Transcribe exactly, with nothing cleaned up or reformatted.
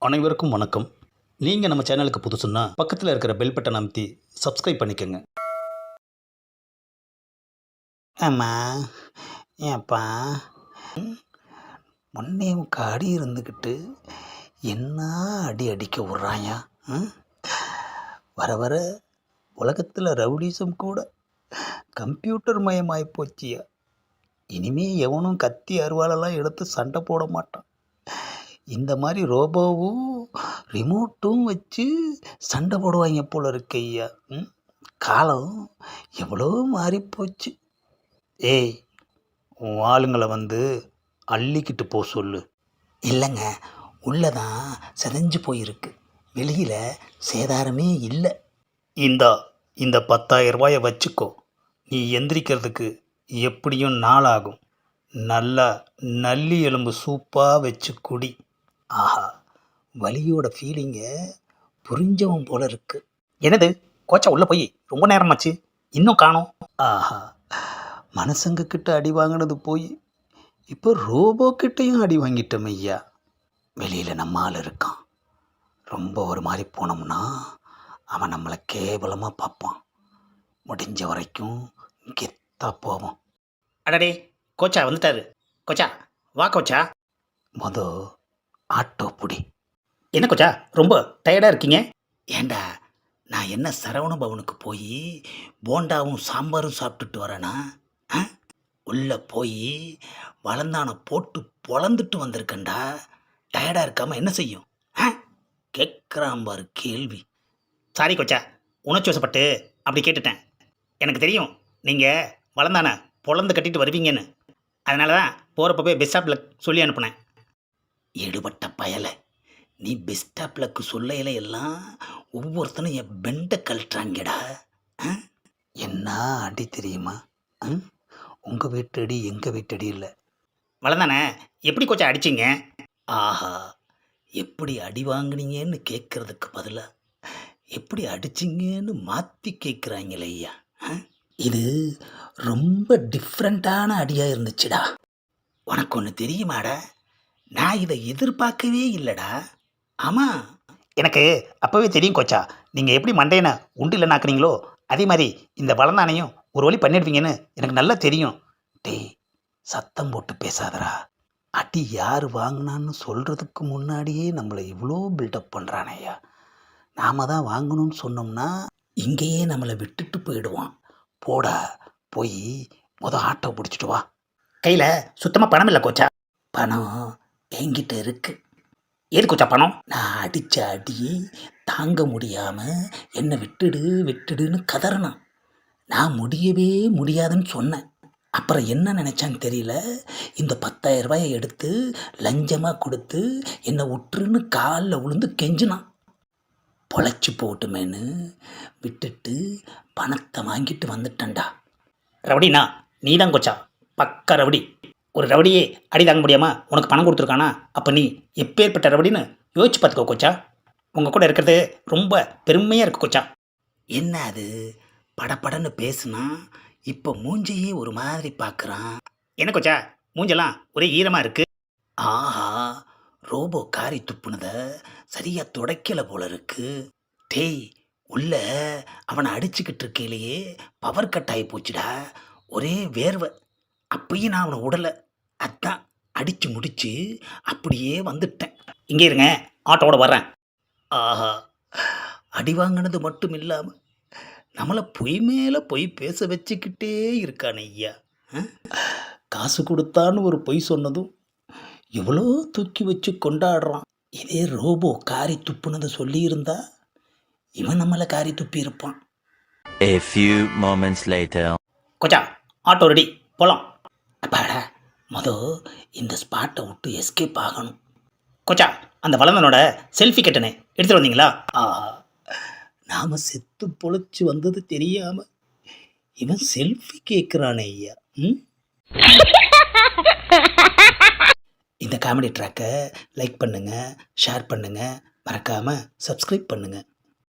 அனைவருக்கும் வணக்கம். நீங்கள் நம்ம சேனலுக்கு புதுசுன்னா பக்கத்தில் இருக்கிற பெல் பட்டன் அமைத்தி சப்ஸ்கிரைப் பண்ணிக்கோங்க. ஆமா ஏப்பா முன்னே உங்க அடி இருந்துக்கிட்டு என்ன அடி அடிக்க விட்றாயா? ம்? வர வர உலகத்தில் ரவுடிசம் கூட கம்ப்யூட்டர் மயமாகி போச்சியா. இனிமே எவனும் கத்தி அருவாளெல்லாம் எடுத்து சண்டை போட மாட்டான். இந்த மாதிரி ரோபோவும் ரிமோட்டும் வச்சு சண்டை போடுவாங்க போல இருக்கு ஐயா. ம்? காலம் எவ்வளோ மாறி போச்சு. ஏய், உன் ஆளுங்களை வந்து அள்ளிக்கிட்டு போ சொல்லு. இல்லைங்க, உள்ளதான் செதஞ்சு போயிருக்கு, வெளியில் சேதாரமே இல்லை. இந்தா இந்த பத்தாயிரம் ரூபாயை வச்சுக்கோ. நீ எந்திரிக்கிறதுக்கு எப்படியும் நாள் ஆகும். நல்லா நல்லி எலும்பு சூப்பாக வச்சு குடி. ஆஹா, வலியோட ஃபீலிங்கை புரிஞ்சவன் போல இருக்கு. என்னது, கோச்சா உள்ளே போய் ரொம்ப நேரமாச்சு, இன்னும் காணோம். ஆஹா, மனுஷங்க கிட்ட அடி வாங்கினது போய் இப்போ ரோபோ கிட்டையும் அடி வாங்கிட்டோம் ஐயா. வெளியில் நம்ம ஆள் இருக்கான். ரொம்ப ஒரு மாதிரி போனோம்னா அவன் நம்மளை கேவலமாக பார்ப்பான். முடிஞ்ச வரைக்கும் கெத்தா போவோம். அடடே, கோச்சா வந்துட்டாரு. கோச்சா வா கோச்சா. மொத ஆட்டோ புடி. என்ன கோச்சா ரொம்ப டயர்டாக இருக்கீங்க? ஏண்டா, நான் என்ன சரவண பவனுக்கு போய் போண்டாவும் சாம்பாரும் சாப்பிட்டுட்டு வரேனா? ஆ? உள்ளே போய் வளர்ந்தான போட்டு பொழந்துட்டு வந்திருக்கேன்டா. டயர்டாக இருக்காமல் என்ன செய்யும்? ஆ? கேட்குறான் பாரு கேள்வி. சாரி கோச்சா, உணர்ச்சி வசப்பட்டு அப்படி கேட்டுட்டேன். எனக்கு தெரியும் நீங்கள் வளர்ந்தானே பொழந்து கட்டிட்டு வருவீங்கன்னு. அதனால தான் போகிறப்ப போய் பெஸ் ஸ்டாப்பில் சொல்லி அனுப்புனேன். எடுபட்ட பயலை, நீ பெஸ்டாப்லக்கு சொல்லையில எல்லாம் ஒவ்வொருத்தனும் என் பெண்டை கழட்டுறாங்கடா. ஆ? என்ன அடி தெரியுமா? உங்கள் வீட்டு அடி எங்கள் வீட்டு அடி இல்லை. வளர்ந்தானே எப்படி கோச்சா அடிச்சிங்க? ஆஹா, எப்படி அடி வாங்கினீங்கன்னு கேட்குறதுக்கு பதிலாக எப்படி அடிச்சிங்கன்னு மாற்றி கேட்குறாங்களே ஐயா. ஆ? இது ரொம்ப டிஃப்ரெண்ட்டான அடியாக இருந்துச்சுடா. உனக்கு ஒன்று தெரியுமாடா, நான் இதை எதிர்பார்க்கவே இல்லைடா. ஆமாம், எனக்கு அப்போவே தெரியும் கோச்சா, நீங்கள் எப்படி மண்டையனை உண்டு இல்லைனாக்குறீங்களோ அதே மாதிரி இந்த வளர்ந்தானையும் ஒரு வழி பண்ணிடுவீங்கன்னு எனக்கு நல்லா தெரியும். டேய், சத்தம் போட்டு பேசாதடா. அடி யார் வாங்கினான்னு சொல்கிறதுக்கு முன்னாடியே நம்மளை இவ்வளோ பில்டப் பண்ணுறானையா. நாம் தான் வாங்கணும்னு சொன்னோம்னா இங்கேயே நம்மளை விட்டுட்டு போயிடுவான். போடா, போய் முத ஆட்டோ பிடிச்சிட்டு வா. கையில் சுத்தமாக பணம் இல்லை கோச்சா. பணம் என்கிட்ட இருக்கு. ஏது கோச்சா பணம்? நான் அடித்த அடி தாங்க முடியாமல் என்னை விட்டுடு விட்டுடுன்னு கதறினான். நான் முடியவே முடியாதுன்னு சொன்னேன். அப்புறம் என்ன நினச்சான்னு தெரியல, இந்த பத்தாயிரம் ரூபாயை எடுத்து லஞ்சமாக கொடுத்து என்னை விட்டுருன்னு காலில் விழுந்து கெஞ்சினான். பொழைச்சி போட்டுமேன்னு விட்டுட்டு பணத்தை வாங்கிட்டு வந்துட்டேன்டா. ரவுடினா நீ தான் கோச்சா, பக்கா ரவுடி. ஒரு ரவுடியே அடி தாங்க முடியாமல் உனக்கு பணம் கொடுத்துருக்கானா, அப்போ நீ எப்பேற்பட்ட ரவுடின்னு யோசிச்சு பார்த்துக்கோ கோச்சா. உங்கள் கூட இருக்கிறது ரொம்ப பெருமையாக இருக்குது கோச்சா. என்ன அது, படப்படன்னு பேசுனா இப்போ மூஞ்சியே ஒரு மாதிரி பார்க்குறான். என்ன கோச்சா, மூஞ்செல்லாம் ஒரே ஈரமாக இருக்குது. ஆஹா, ரோபோ காரி துப்புனத சரியாக துடைக்கலை போல இருக்கு. டேய், உள்ள அவனை அடிச்சுக்கிட்டு இருக்கையிலேயே பவர் கட் ஆகி போச்சுடா. ஒரே வேர்வை. அப்பயும் நான் அவனை விடலை. அதான் அடித்து முடிச்சு அப்படியே வந்துட்டேன். இங்கே இருங்க, ஆட்டோட வர்றேன். ஆஹா, அடி வாங்கினது மட்டும் இல்லாமல் நம்மளை பொய் மேலே பொய் பேச வச்சுக்கிட்டே இருக்கான் ஐயா. காசு கொடுத்தான்னு ஒரு பொய் சொன்னதும் எவ்வளோ தூக்கி வச்சு கொண்டாடுறான். இதே ரோபோ காரி துப்புனதை சொல்லியிருந்தா இவன் நம்மளை காரி துப்பி இருப்பான். A few moments later. கோச்சா, ஆட்டோ ரெடி, போகலாம். அப்பாடா, மொதல் இந்த ஸ்பாட்டை விட்டு எஸ்கேப் ஆகணும். கோச்சா, அந்த வளர்ந்தனோட செல்ஃபி கட்டனே எடுத்துகிட்டு வந்தீங்களா? ஆஹா, நாம் செத்து பொழைச்சி வந்தது தெரியாமல் இவன் செல்ஃபி கேட்குறானே ஐயா. ம் இந்த காமெடி ட்ராக்கை லைக் பண்ணுங்கள், ஷேர் பண்ணுங்கள், மறக்காமல் சப்ஸ்கிரைப் பண்ணுங்கள்.